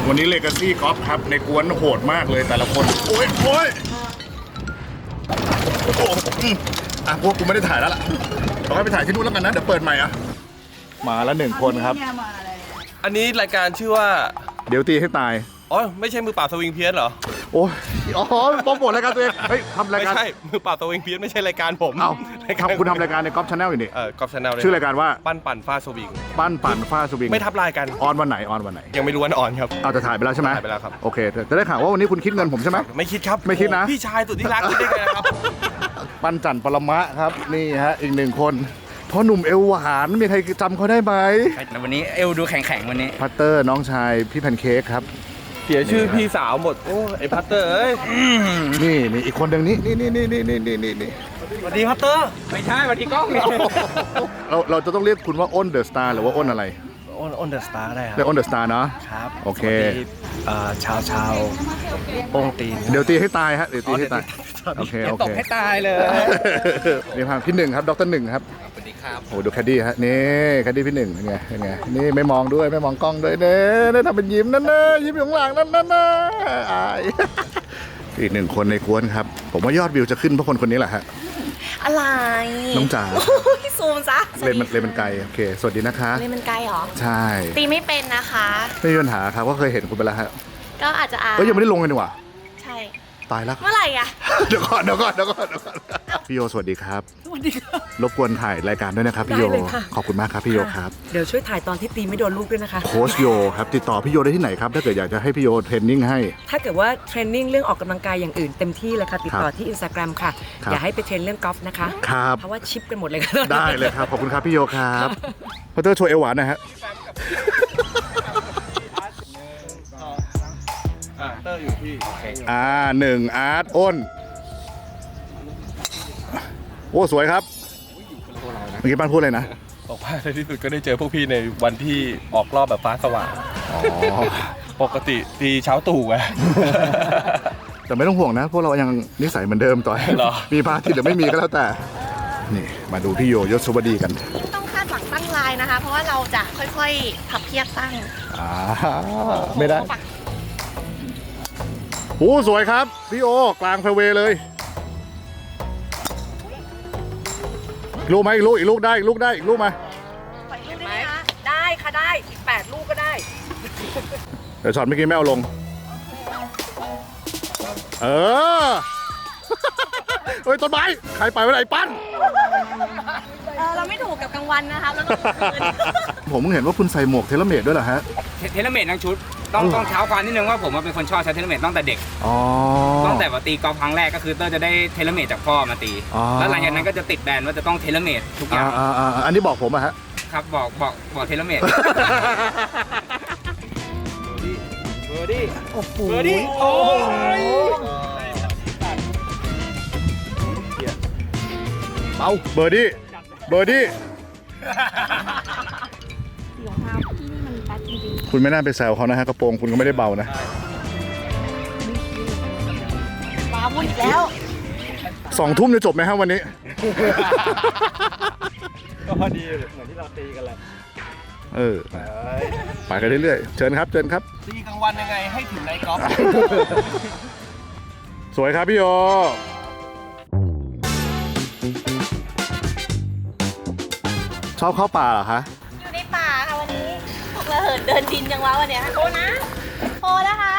วันนี้เลกาซี่กอล์ฟครับในกวนโหดมากเลยแต่ละคนโอ้ยโอ้ยโอ้โหพวกกูไม่ได้ถ่ายแล้วล่ะเราให้ไปถ่ายที่นู่นแล้วกันนะเดี๋ยวเปิดใหม่อ่ะมาแล้ว1 คนครับอันนี้รายการชื่อว่าเดี๋ยวตีให้ตายอ๋อไม่ใช่มือเปล่าสวิงเพี้ยนเหรอโอ้ยอ๋อโปรโมทรายการตัวเองเฮ้ยทำรายการไม่ใช่มือเปล่าสวิงเพี้ยนไม่ใช่รายการผมเอ้าคุณทำรายการในกอล์ฟชาแนลอยู่นี่กอล์ฟชาแนลชื่อรายการว่าปั้นปั่นฟาสวิงปั้นปั่นฟาสวิงไม่ทับลายกันออนวันไหนยังไม่รู้วันออนครับเอาจะถ่ายไปแล้วใช่ไหมถ่ายไปแล้วครับโอเคจะได้ข่าวว่าวันนี้คุณคิดเงินผมใช่ไหมไม่คิดครับไม่คิดนะพี่ชายสุดที่รักคิดได้ไงครับปั้นจันปรมะครับนี่ฮะอีก1 คนพ่อหนุ่มเอวหวานมีใครจำเขาได้ไหมวันนี้เอวดูแข็งๆวันนี้พัตเตอร์น้องชายพี่แพนเค้กครับเสียชื่อพี่สาวหมดโอ้ไอพัตเตอร์เอ้ยนี่อีกคนหนึ่งนี่สวัสดีพัตเตอร์ไม่ใช่สวัสดีกล้องนี่เราจะต้องเรียกคุณว่าอ้นเดอะสตาร์หรือว่าอ้นอะไรอ้นเดอะสตาร์ได้ครับเรียกอ้นเดอะสตาร์เนาะครับโอเคชาวโป้งตีนเดี๋ยวตีให้ตายฮะเดี๋ยวตีให้ตายโอเคตบให้ตายเลยนี่พาพี่1ครับดร1ครับสวัสดีครับโอ้ดูแคดดี้ฮะนี่แคดดี้พี่1เป็นไงนี่ไม่มองด้วยไม่มองกล้องด้วยเนี่ยทำเป็นยิ้มนั่นนะยิ้มอยู่ข้างหลังนั่นนะอายอีก1 คนในกวนครับผมว่ายอดวิวจะขึ้นเพราะคนนี้แหละฮะอะไรน้องจ๋าซูมซะเลนมันไกลโอเคสวัสดีนะคะเลนมันไกลเหรอใช่ตีไม่เป็นนะคะไม่มีปัญหาครับก็เคยเห็นคุณไปแล้วฮะก็อาจจะยังไม่ได้ลงเลยนี่หว่าใช่ตายแล้วเมื่อไหร่อะเดี๋ยวก่อนพี่โยสวัสดีครับสวัสดีครับรบกวนถ่ายรายการด้วยนะครับพี่โยขอบคุณมากครับพี่โยครับเดี๋ยวช่วยถ่ายตอนที่ตีไม่โดนลูกด้วยนะคะโค้ชโยครับติดต่อพี่โยได้ที่ไหนครับถ้าเกิดอยากจะให้พี่โยเทรนนิ่งให้ถ้าเกิดว่าเทรนนิ่งเรื่องออกกำลังกายอย่างอื่นเต็มที่เลยค่ะติดต่อที่ Instagram ค่ะอย่าให้ไปเทรนเรื่องกอล์ฟนะคะครับเพราะว่าชิปกันหมดเลยค่ะได้เลยครับขอบคุณครับพี่โยครับพัตเตอร์โชว์เอวหวานนะฮะเตอร์อยู่ที่ 1อาร์ตอ้นโอ้สวยครับเมื่อกี้ป้านพูดเลยนะบอกว่าในที่สุดก็ได้เจอพวกพี่ในวันที่ออกรอบแบบฟ้าสว่างปกติตีเช้าตู่ไงแต่ไม่ต้องห่วงนะพวกเรายังนิสัยเหมือนเดิมต่อยมีพาทิตย์หรือไม่มีก็แล้วแต่นี่มาดูพี่โยยศสุวดีกันต้องคาดหวังตั้งลายนะคะเพราะว่าเราจะค่อยๆพับเพียบตั้งไม่ได้โอ้สวยครับพี่โอกลางแฟร์เวย์เลยลูกไหมอีกลูกได้อีกลูกมาปล่อยลูกได้ไหมคะได้ค่ะได้อีก8 ลูกก็ได้เดี๋ยวช็อตเมื่อกี้ไม่เอาลงเฮ้ยต้นไม้ใครไปไว้ไหนปั้นเราไม่ถูกกับกลางวันนะคะแล้วต้องคืนผมเห็นว่าคุณใส่หมวกเทเลเมตด้วยเหรอฮะเทเลเมตทั้งชุดต้องเท้าความนิดนึงว่าผมเป็นคนชอบใช้เทเลเมตตั้งแต่เด็กตั้งแต่ว่าตีกอล์ฟครั้งแรกก็คือเตอร์จะได้เทเลเมตจากพ่อมาตีแล้วหลังจากนั้นก็จะติดแบรนด์ว่าจะต้องเทเลเมตทุกอย่างอันนี้บอกผมอะฮะครับบอกเทเลเมตเบอร์ดี้โอ้โหเบาเบอร์ดี้รองเท้าพี่นี่มันแป๊ดจริงๆคุณไม่น่าไปแซวเขานะฮะกระโปรงคุณก็ไม่ได้เบานะว้าวุ่นอีกแล้ว 2 ทุ่มจะจบไหมครับวันนี้ก็พอดีเหมือนที่เราตีกันแหละไปกันเรื่อยๆเชิญครับตีกลางวันยังไงให้ถึงในกอล์ฟสวยครับพี่โยชอบเข้าป่าเหรอคะอยู่ในป่าค่ะวันนี้พวกเราเหินเดินดินจังวะวันเนี้ยโทนะคะ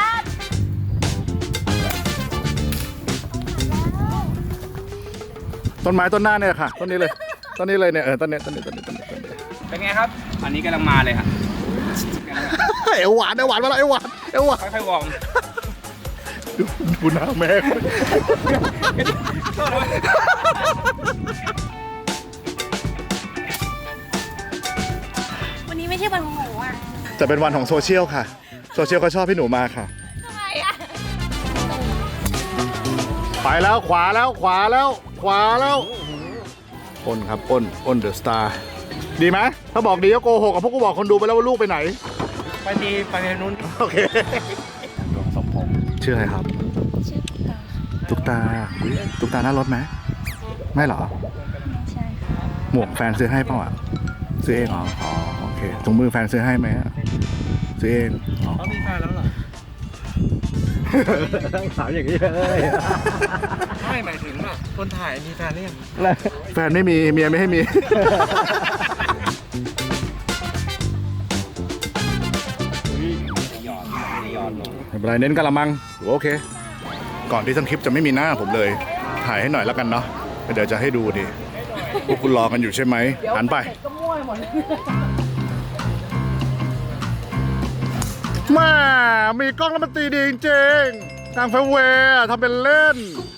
ต้นไม้ต้นหน้าเนี่ยค่ะต้นนี้เลยเนี่ยต้นนี้เป็นไงครับอันนี้กำลังมาเลยครับเอวหวานมาแล้วเอวหวานค่อยๆวอร์มดูหน้าแม่วันนี้ไม่ใช่วันของหนูอ่ะจะเป็นวันของโซเชียลค่ะโซเชียลเขาชอบพี่หนูมาค่ะทำไมอ่ะไปแล้วขวาแล้วอ้นครับอ้นเดอะสตาร์ดีไหมถ้าบอกดีก็โกหกกับพวกกูบอกคนดูไปแล้วว่าลูกไปไหนไปนู้นโอเคสมพงษ์ชื่ออะไรครับชื่อตุ๊กตาหน้ารถไหมไม่หรอใช่ค่ะหมวกแฟนซื้อให้เปล่าอ่ะซื้อเองเหรอโอเคถุงมือแฟนซื้อให้ไหมซื้อเองเขามีแฟนแล้วเหรอถามอย่างนี้เลยไม่หมายถึงว่าคนถ่ายมีแฟนหรือยังแฟนไม่มีเมียไม่ให้มี ไม่เป็นไรเน้นกะละมังโอเค ก่อนที่ทั้งคลิปจะไม่มีหน้าผมเลย ถ่ายให้หน่อยแล้วกันเนาะเดี๋ยวจะให้ดูดิพวกคุณรอกันอยู่ใช่ไหมหันไปมามีกล้องแล้วมันตีดีจริงๆกลางแฟร์เวย์ทำเป็นเล่น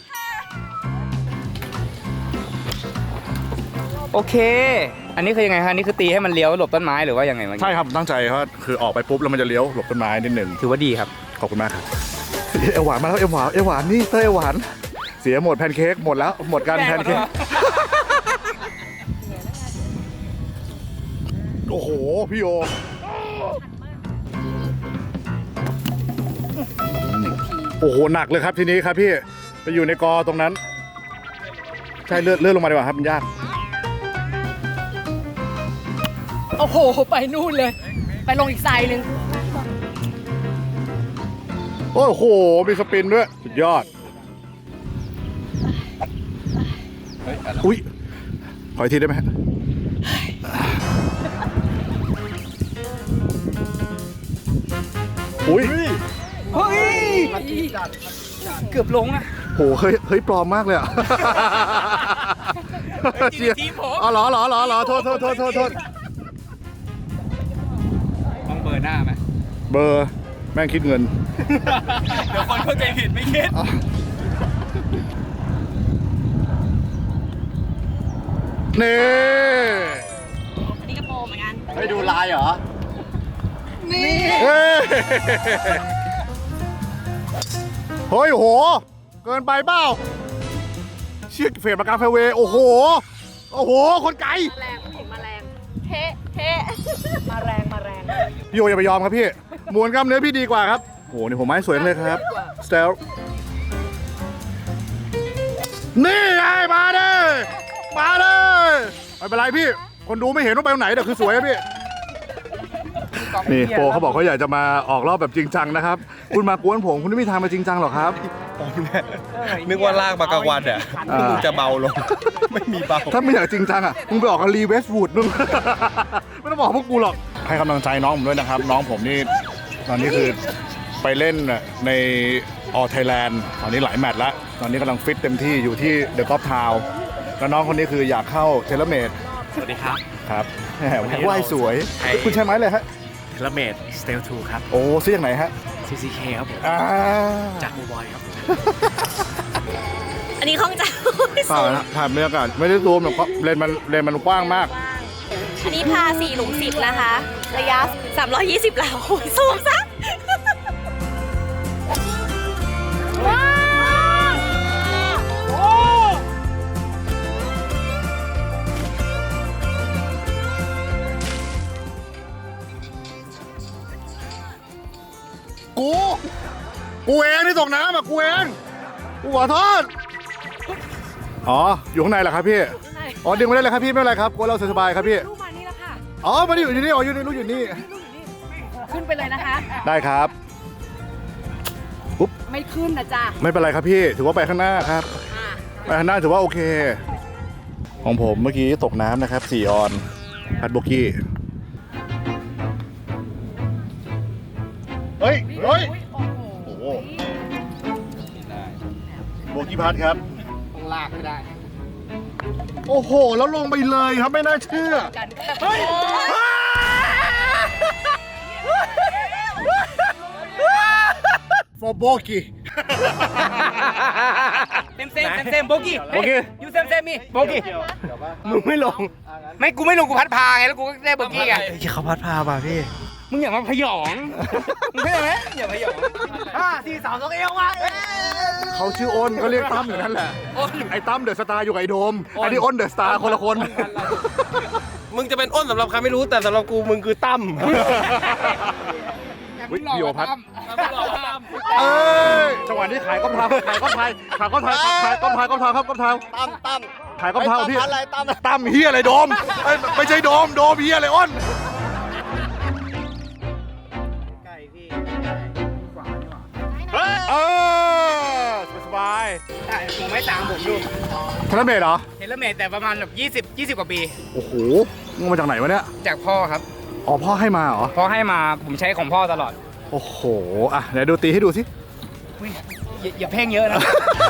โอเค อันนี้คือยังไงฮะนี่คือตีให้มันเลี้ยวหลบต้นไม้หรือว่ายังไงเมื่อกี้ใช่ครับตั้งใจเพราะคือออกไปปุ๊บแล้วมันจะเลี้ยวหลบต้นไม้นิดหนึ่งถือว่าดีครับขอบคุณมากครับเอวหวานมาแล้วเอวหวานนี่เต้ยเอวหวานเสียหมดแพนเค้กหมดแล้วหมดกันแพนเค้กโอ้โหพี่โอโอ้โหหนักเลยครับทีนี้ครับพี่ไปอยู่ในกอตรงนั้นใช่เลื่อนลงมาดีกว่าครับมันยากโอ้โห ไปนู่นเลย ไปลงอีกไซด์หนึ่งโอ้โหมีสปินด้วยสุดยอดอุ้ยขออีกทีได้ไหมฮะอุ้ยเฮ้ย เกือบลงอะโหเฮ้ยปลอมมากเลยอ่ะเชียร์อ๋อเหรอโทษต้องเบอร์หน้าไหมเบอร์แม่งคิดเงินเดี๋ยวคนเข้าใจผิดไม่คิดนี่อันนี้กระโปรงเหมือนกันให้ดูลายเหรอเฮ้ยโหเกินไปเปล่าเชี่ยเฟรมประกาศแฟร์เวย์โอ้โหคนไกลมาแรงผู้หญิงมาแรงเทะมาแรงพี่โออย่าไปยอมครับพี่มวนกล้ามเนื้อพี่ดีกว่าครับโหนี่ผมไม้สวยเลยครับสเตลนี่ไงมาเลยไม่เป็นไรพี่คนดูไม่เห็นว่าไปตรงไหนแต่คือสวยครับพี่นี่โปเขาบอกเขาอยากจะมาออกรอบแบบจริงจังนะครับคุณมากวนผมคุณไม่มีทางมาจริงจังหรอกครับนึกว่าลากมากลางวันอ่ะมึงจะเบาลง ไม่มีเบาถ้าไม่อยากจริงจังอ่ะมึงไปออกกับรีเวสต์วูดมึง ไม่ต้องบอกพวกกูหรอกให้กำลังใจน้องผมด้วยนะครับน้องผมนี่ตอนนี้คือไปเล่นในออไทยแลนด์ตอนนี้หลายแมตช์แล้วตอนนี้กำลังฟิตเต็มที่อยู่ที่เดอะกอล์ฟทาวน์แล้วน้องคนนี้คืออยากเข้าเทเลเมดสวัสดีครับครับแหมว่ายสวยคุณใช่ไหมเลยฮะเทเลเมดสเตล2ครับโอ้ซื้อจากไหนฮะ CCK ครับผม จากมูบอยครับอันนี้ข้องใจเปล่านะถ่ายบรรยากาศไม่ได้ซูมหรอกเพราะเลนมันกว้างมากอันนี้พา4 หลุม 10 นะคะ ระยะ 320 หลาโอ้ยสูงซะว้าวกูเองที่ตกน้ำอ่ะกูเองกูขอโทษอ๋ออยู่ข้างในเหรอครับพี่อ๋อดึงไม่ได้เลยครับพี่ไม่เป็นไรครับกูเราสบายๆครับพี่ลูกมานี่แล้วค่ะอ๋อมาดิอยู่นี่อ๋ออยู่นี่ลูกอยู่นี่ขึ้นไปเลยนะคะได้ครับไม่ขึ้นนะจ๊ะไม่เป็นไรครับพี่ถือว่าไปข้างหน้าครับอ่ะไปข้างหน้าถือว่าโอเค ของผมเมื่อกี้ตกน้ำนะครับ4 ออนพัดโบกี้เฮ้ยโอ้โหโบกี้พัดครับต้องลากไม่ได้โอ้โหแล้วลงไปเลยครับไม่น่าเชื่อฟอร์โบกี้เซมโบกี้โอเคยูเซมมีโบกี้มึงไม่ลง ไม่กูไม่ลงกูพัดพาไงแล้วกูก็ได้โบกี้ไงเขาพัดพาป่ะพี่มึงอย่ามาพยองมึงเข้าใจไหมอย่าพยอง5 4 3 2 เอวมาเขาชื่ออ้นเขาเรียกตั้มอยู่นั่นแหละไอ้ตั้มเดอะสตาร์อยู่กับไอ้โดมอันนี้อ้นเดอะสตาร์คนละคนมึงจะเป็นอ้นสำหรับใครไม่รู้แต่สำหรับกูมึงคือตั้มวิโยพัดเอ้ยจังหวะนี้ขายก้อมเท้าขายก้อมไทยขายก้อมไทยขายก้อมไทยก้อมเท้าครับก้อมเท้าตั้มขายก้อมเท้าพี่อะไรตั้มตั้มเฮียอะไรโดมเอ้ยไม่ใช่โดมเฮียอะไรอ้นไก่พี่เอ้ไว้สามผมดูเทเลเมตเหรอเทเลเมตแต่ประมาณแบบ20 กว่าปีโอ้โหมึงมาจากไหนวะเนี่ยจากพ่อครับอ๋อพ่อให้มาเหรอพ่อให้มาผมใช้ของพ่อตลอดโอ้โหอ่ะไหนดูตีให้ดูสิอุ๊ยอย่าเพ่งเยอะนะ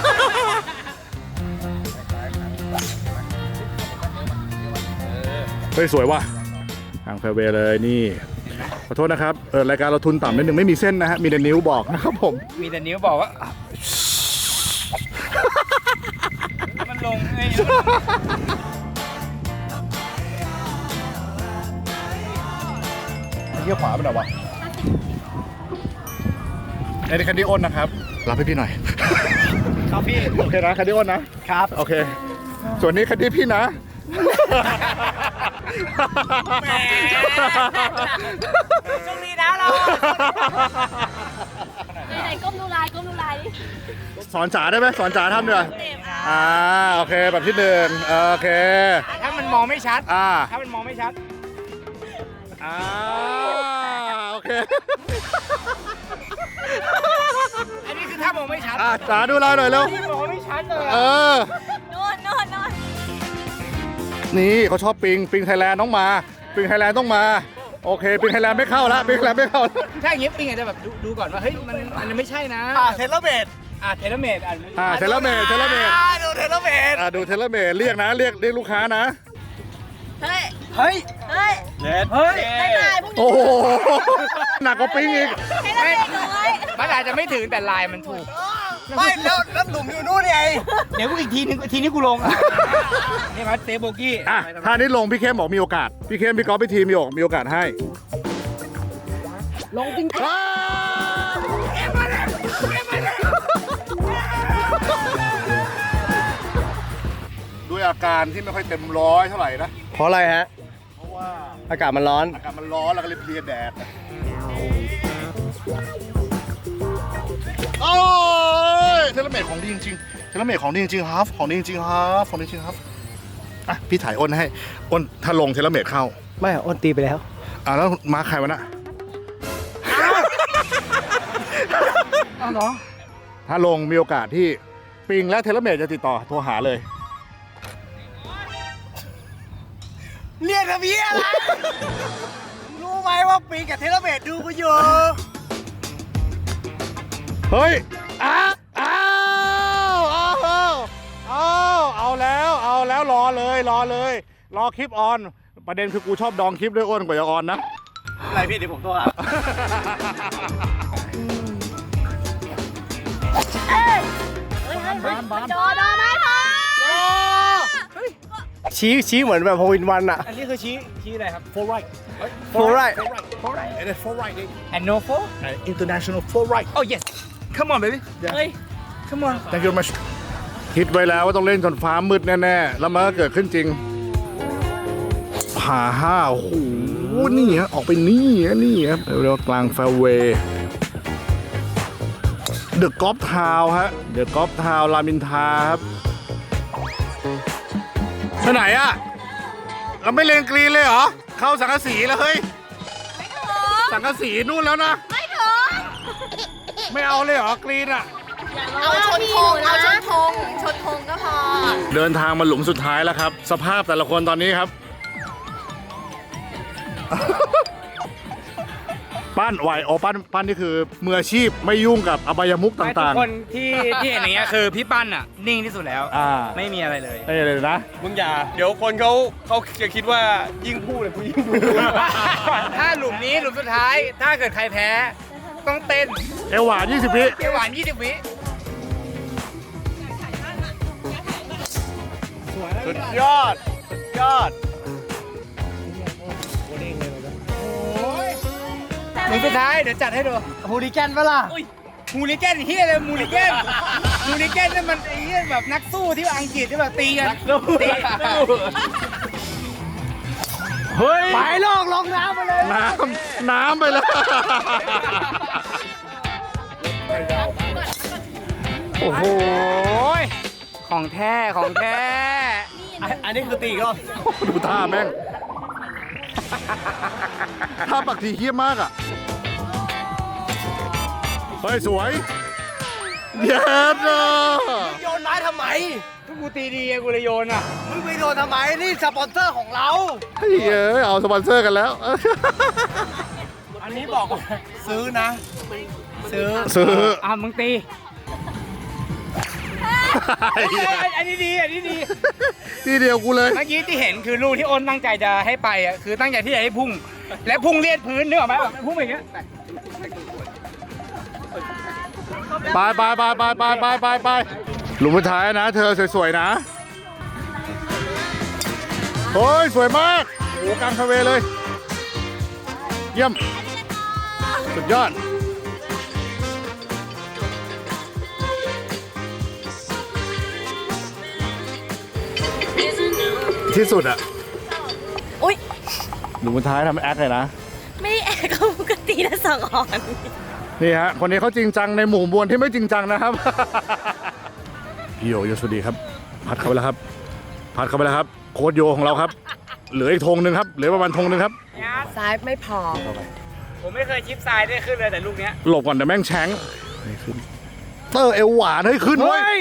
เฮ้ยสวยว่ะทางแฟร์เวย์เลยนี่ขอโทษนะครับรายการเราทุนต่ำนิดนึงไม่มีเส้นนะฮะมีแต่นิ้วบอกนะครับผมมีแต่นิ้วบอกว่า มันลงไงเยี่ยขวาไปหน่อยวะไอ้นี่คันดี้อ้นนะครับรับให้พี่หน่อยครับพี่โอเคนะคันดี้อ้นนะครับโอเค ส่วนนี้คันดี้พี่นะโชคดีนะเราไหนๆก้มดูลายก้มดูลายดิสอนจ๋าได้ไหมสอนจ๋าทำด้วยเต็มโอเคแบบที่หนึ่งโอเคถ้ามันมองไม่ชัดถ้าถ้ามันมองไม่ชัดโอเคอันนี้คือถ้ามองไม่ชัดจ๋าดูเราหน่อยเร็วที่มองไม่ชัดเลยโน่นโน่นโน่นนี่เขาชอบปิงไทยแลนด์ต้องมาปิงไทยแลนด์ต้องมาโอเคปิงไทยแลนด์ไม่เข้าละปิงไทยแลนด์ไม่เข้าละถ้าอย่างนี้ปิงอาจจะแบบดูก่อนว่าเฮ้ยมันไม่ใช่นะเทเลเมตเทเลเมตเทเลเมตดูเทเลเมตดูเทเลเมตเรียกนะเรียกลูกค้านะเฮ้ยเฮ้ยเฮ้ยเฮ้ยได้ลายพวกนี้โอ้โหหนักกว่าปิงอีกให้เราเด็กน้อยมันอาจจะไม่ถึงแต่ลายมันถูกไม่แล้วหลุมอยู่นู่นไงเดี๋ยวกูอีกทีนึงทีนี้กูลงนี่ครับเซฟโบกี้ถ้านี้ลงพี่เข้มบอกมีโอกาสพี่เข้มพี่ก๊อฟพี่ทีมมีโอกาสให้ลงจริงด้วยอาการที่ไม่ค่อยเต็มร้อยเท่าไหร่นะเพราะอะไรฮะเพราะว่าอากาศมันร้อนอากาศมันร้อนแล้วก็เลยเพลียแดดโอ้ยเทเลเมตของดีจริงๆเทเลเมตของดีจริงๆครับของดีจริงๆครับของดีจริงๆครับพี่ถ่ายอ้นให้อ้นถ้าลงเทเลเมตเข้าไม่อ้นตีไปแล้วแล้วมาใครวะน่ะอ้าวเหรอถ้าลงมีโอกาสที่ปิงและเทเลเมตจะติดต่อโทรหาเลยเรียกทำเพี้ยอะไร รู้ไหมว่าปีกับเทเลเมตดูกูอยู่เฮ้ยอ้าวเอาแล้วรอเลยรอคลิปออน ประเด็นคือกูชอบดองคลิปด้วยอ้นกว่าจะออนนะอะไรพี่เดี๋ยวผมโทรหาเฮ้ยจอดอไม้พอชี้เหมือนแบบโฮวินวันอะอันนี้คือชี้อะไรครับ for right โฟร์ไร it is for right and no for international for right oh yes come on baby เฮ้ย come on thank you very much คิดไว้แล้วว่าต้องเล่นจนฟ้ามืดแน่ๆแล้วมันก็เกิดขึ้นจริงผ่าห้าโอ้โหนี่ฮะออกไปนี่ฮะเรียกว่ากลางแฟร์เวย์เดอะกอล์ฟทาวน์ฮะเดอะกอล์ฟทาวน์รามอินทราครับไปไหนอะเราไม่เลนกรีนเลยเหรอเข้าสังกะสีแล้วเฮ้ยไม่ถึงสังกะสีนู่นแล้วนะไม่ถึงไม่เอาเลยเหรอกรีนอะเอาชนธงเอาชนธงก็พอเดินทางมาหลุมสุดท้ายแล้วครับ สภาพแต่ละคนตอนนี้ครับ ปั้นไหวโอปั้นนี่คือมืออาชีพไม่ยุ่งกับอบายมุกทุกต่างคนที่เห็นอย่างเงี้ยคือพี่ปั้นอ่ะนิ่งที่สุดแล้ว ไม่มีอะไรเลยๆนี่เลยนะมึงอย่า เดี๋ยวคนเขาจะคิดว่ายิ่งพูดเลยกูยิ่งดูถ้าหลุมนี้หลุมสุดท้าย ถ้าเกิดใครแพ้ ต้องเต้นเอวหวาน20 วิเกียวหวาน 20 วิสุดยอดหลุมสุดท้าย เดี๋ยวจัดให้ดูฮูลิแกนปะล่ะมูลิแกนเฮียอะไรมูลิแกนนั่นมันไอ้เฮียแบบนักสู้ที่อังกฤษที่แบบตีกันตีเฮ้ยไปลงน้ำไปเลยน้ำไปแล้ว โอ้โหของแท้อันนี้คือตีก็ดูท่าแม่งท่าปักทีเฮี้ยมากอ่ะ เฮ้ย สวยเย็ดอ่ะโยนไม้ทำไมกูตีดีไงกูเลยโยนอ่ะ มึงไปโยนทำไม นี่สปอนเซอร์ของเราเฮ้ยเอาสปอนเซอร์กันแล้วอันนี้บอกว่าซื้อนะ ซื้ออ่ะมึงตี อันนี้ดี อันนี้ดีที่เดียวกูเลยเมื่อกี้ที่เห็นคือลูกที่อ้นตั้งใจจะให้ไปอ่ะคือตั้งใจที่จะให้พุ่ง และพุ่งเลียดพื้นนึกออกไหมแบบพุ่งอย่างเงี้ยไปหลุมสุดท้ายนะ เธอสวยๆนะโอ้ยสวยมากโอ้กลางทะเลเลย เยี่ยม สุดยอด ที่สุดอะอุ๊ยหลุมสุดท้ายทำแอคเลยนะไม่ได้แอบเขาปกตินะสองอ่อนนี่ฮะ คนนี้เขาจริงจังในหมู่มวลที่ไม่จริงจังนะครับ พี่โยสวัสดีครับ พัดเข้าไปแล้วครับ พัดเข้าไปแล้วครับ โค้ดโยของเราครับ เหลืออีกธงหนึ่งครับ เหลือประมาณธงหนึ่งครับซ้ายไม่พอผมไม่เคยชิปทรายได้ขึ้นเลยแต่ลูกเนี้ยหลบก่อนแต่แม่งแช้งไม่ขึ้น เตอร์เอวหวานให้ขึ้นเว้ย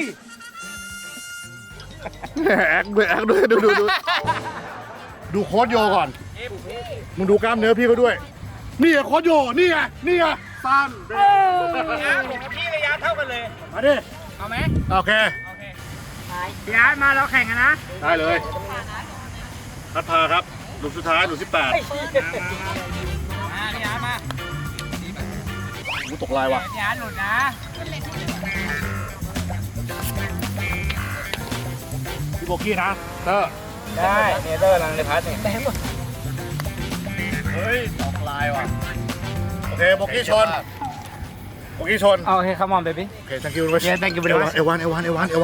แอคด้วยดูโค้ดโยก่อน มึงดูกล้ามเนื้อพี่เขาด้วย นี่ไงโค้ดโย นี่ไงสั้นผมกับพี่ระยะเท่ากันเลยมาดิเอาไหมโอเคพี่อาร์ตมาเราแข่งกันนะได้เลยพัดพาครับหลุมสุดท้ายหลุม18 มาพี่อาร์ตมากูตกลายว่ะพี่อาร์ตหลุดนะพี่โบกี้นะเตอร์ได้เนเธอร์ลังในพัทเนี่ยเฮ้ยตกลายว่ะ โอเคโบกี้ชน โบกี้ชนโอเค come on baby โอเค thank you very much Yeah, thank you very much. เอวานเอวาน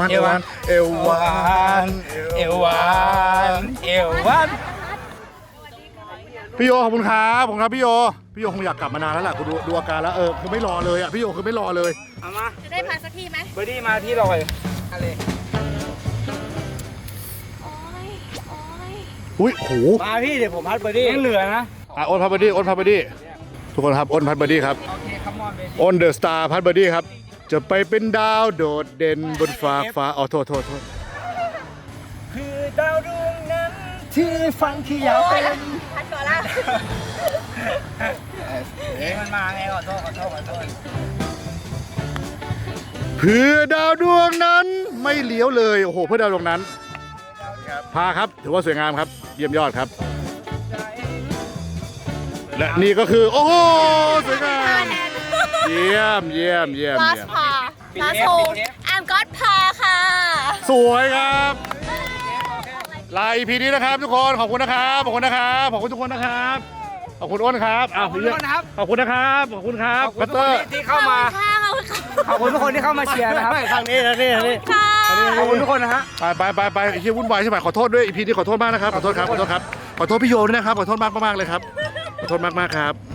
พี่โยขอบคุณครับพี่โยคงอยากกลับมานานแล้วแหละกูดูอาการแล้วคือไม่รอเลยอ่ะพี่โยคือไม่รอเลยเอามาจะได้พาสักทีไหมเบอร์ดี้มาที่เราเลยอะไรอุ้ยโหมาพี่เดี๋ยวผมพัดเบอร์ดี้ยังเหลือนะอ้นพัดเบอร์ดี้ทุกคนครับอ้นพัดเบอร์ดี้ครับโอเค come on baby อ้นเดอะสตาร์พัดเบอร์ดี้ครับจะไปเป็นดาวโดดเด่นบนฟ้าโทษคือดาวดวงนั้นที่ฟังที่ยาวเป็นพัดก่อนละเฮ้ยมันมาไงขอโทษเพื่อดาวดวงนั้นไม่เลี้ยวเลยโอ้โหเพื่อดาวดวงนั้นพาครับถือว่าสวยงามครับเยี่ยมยอดครับ และนี่ก็คือโอ้โหสวยงามเยี่ยมลาสพาลาสโฮแอมก็อดพาค่ะสวยครับลา EP นี้นะครับทุกคนขอบคุณนะครับขอบคุณทุกคนนะครับขอบคุณอ้นครับขอบคุณนะครับขอบคุณครับพัตเตอร์ที่เข้ามาค่ะขอบคุณค่ะขอบคุณทุกคนที่เข้ามาเชียร์นะครับทางนี้ค่ะขอบคุณทุกคนนะฮะไปไอ้ที่วุ่นวายใช่ไหมขอโทษด้วย EP นี้ขอโทษมากนะครับขอโทษพี่โยด้วยนะครับขอโทษมากเลยครับขอโทษมากครับ